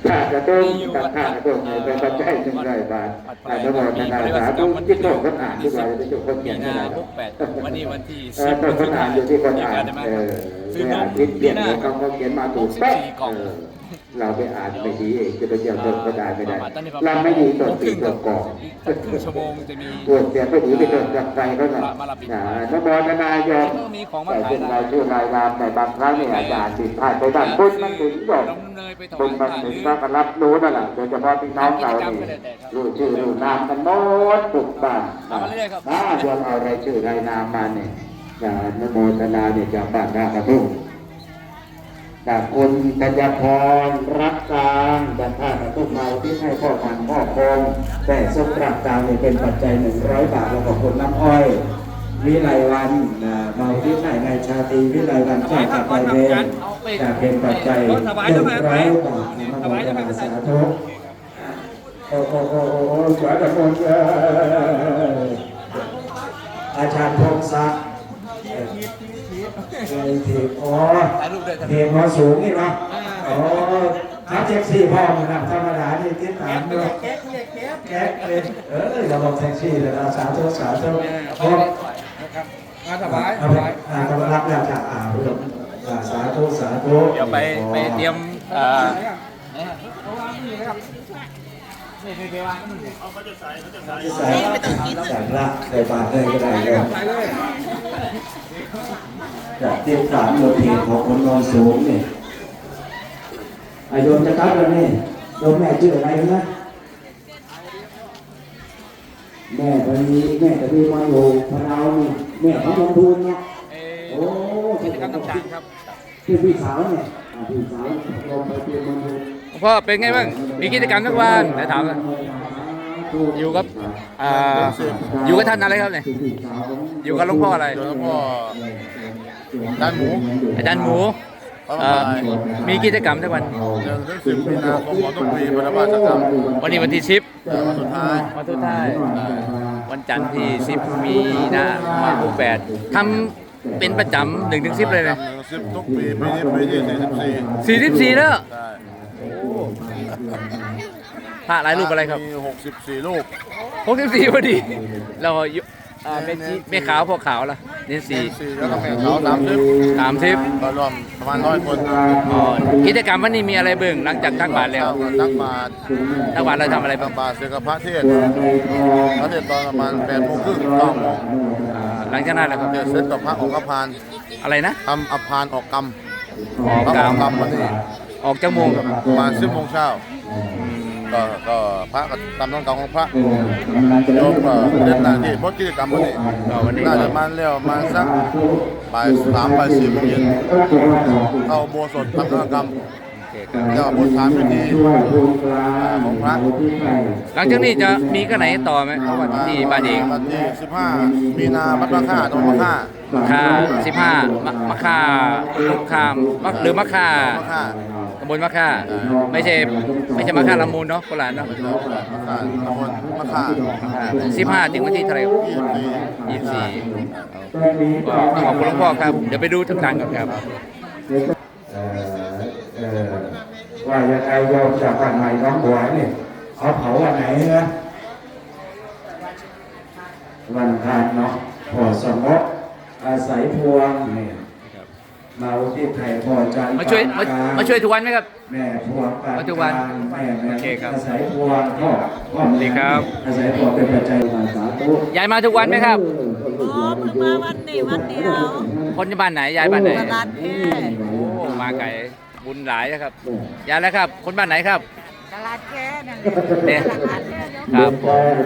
ข้ากระตุ้งกับข้ากระตุ้งเป็นปัจจัยหนึ่งร้อยบาทนโมทนาสาธุที่โตคนอ่านที่เราจะคนเขียนไม่ได้วันนี้วันที่10 คนอ่านอยู่ที่คนอ่านซื้อนมคิดเขียนเขาเขียนมาถูกเป๊ะเราไปอ่านไม่ดีเองจะไปเยี่ยมต้นก็ได้ไม่ได้เราไม่ดีต้นปีต้นก่อนครึ่งชั่วโมงจะมีปวดเสียไม่ดีไปต้นกับใจก็หน่อยนโมทนายกแต่เป็นเราชื่อรายนามแต่บางครั้งเนี่ยอาจารย์ติดพลาดไปบ้างบุญมันถึงบอกบุญมันถึงก็รับรู้นั่นแหละโดยเฉพาะพี่น้องเรานี่รู้ชื่อรู้นามกันหมดทุกบ้านรวมเอารายชื่อรายนามมาเนี่ยนโมทนาเนี่ยจากบ้านท่ากระทุ่งจากคุณกัญญาพรรักกลางจากท่ากระทุ่งเราที่ให้พ่อพันพ่อคงแต่สมรักกลางเนี่ยเป็นปัจจัย100 บาทแล้วก็คนน้ำอ้อยวิไลวันมาที่ไหนในชาติวิไลวันเจ้าจากไปเวรจะเป็นปัจจัย100 บาทนโมทนาสาธุโอ้สวยแต่คนอาจารย์พงศักดิ์ทีอ๋อทีมเขาสูงนี่เนาะอ๋อทับเจ็กซี่พ่อมันธรรมดาที่ติดตามด้วยแก๊กเลยเราลองแท็กซี่เลยนะสาธุสาธุพ่อสบายกำลังแล้วจากสาธุสาธุเดี๋ยวไปเตรียมใส่ละใส่บาทเลยก็ได้เลยจากที่สามโยทีของคนนอนสูงนี่โยมจะกลับแล้วนี่โยมแม่ชื่ออะไรนะแม่ตอนนี้มาอยู่พะเยานี่แม่ของลงทุนเนาะโอ้กิจกรรมต่างๆครับที่พี่สาวเนี่ยพี่สาวลงไปเตรียมมาดูพ่อเป็นไงบ้างมีกิจกรรมทุกวันไหนถามเลยอยู่กับท่านอะไรครับเนี่ยอยู่กับหลวงพ่ออะไรหลวงพ่ออาจารย์หมูมีกิจกรรมทุกวัน 10 มีนาคมของทุกปีพระบาทจะทำวันนี้วันที่10 วันสุดท้ายวันจันทร์ที่10 มีนาคม68ทำเป็นประจำ1 ถึง 10เลยนะ 10ทุกปีปีนี้ปีที่ 44แล้วใช่พระหลายรูปอะไรครับมี64 รูป 64พอดีเราแม่ขาวพวกขาวล่ะเน้น 4แล้วก็แม่ขาว30ก็รวมประมาณ100 คนกิจกรรมวันนี้มีอะไรเบิ่งหลังจากตักบาตรแล้วตักบาตรเราทำอะไรบ้างตักบาตรเสร็จกับพระเทศตอนประมาณ8 โมงครึ่ง9 โมงหลังจากนั้นแหละครับเสร็จกับพระออกอภานอะไรนะทำอภานออกกรรมวันนี้ออกจากโมงประมาณ10 โมงเช้าก็พระก็ตามต้องการของพระโยมก็เล่นหน้าที่พดกิจกรรมวันนี้น่าจะมาแล้วมาสักบ่าย 3 บ่าย 4 โมงเย็นเข้าโบสถ์ทำกิจกรรมแล้วบทสามพิธีของพระหลังจากนี้จะมีก็ไหนต่อไหมวันที่บ้านเองวันที่15 มีนาวัดมะค่าตรงมะค่า 15มะค่าลูกคามหรือมะค่าตำบลมะค่าไม่ใช่มะค่าละมูลเนาะโบราณเนาะมะค่าตำบลมะค่า 15 ถึงวันที่เท่าไหร่24ก็ขอบคุณหลวงพ่อครับเดี๋ยวไปดูทุกทางก่อนครับว่าจะใครโยมจากบ้านใหม่น้องบัวนี่เขาเผาวันไหนนะวันพานเนาะพอสมบอาศัยพวงเนี่ยมาที่ไทยพอจันมาช่วยทุกวันไหมครับแม่พวงมาทุกวันโอเคครับอาศัยพวงพ่อดีครับอาศัยพวงเป็นปัจจัยมาสาธุยายมาทุกวันไหมครับเพิ่งมาวันนี้วันเดียวคนบ้านไหนยายบ้านไหนตลาดแค่มาไก่บุญหลายนะครับยายแล้วครับคนบ้านไหนครับตลาดแค่นั่นแหละครับ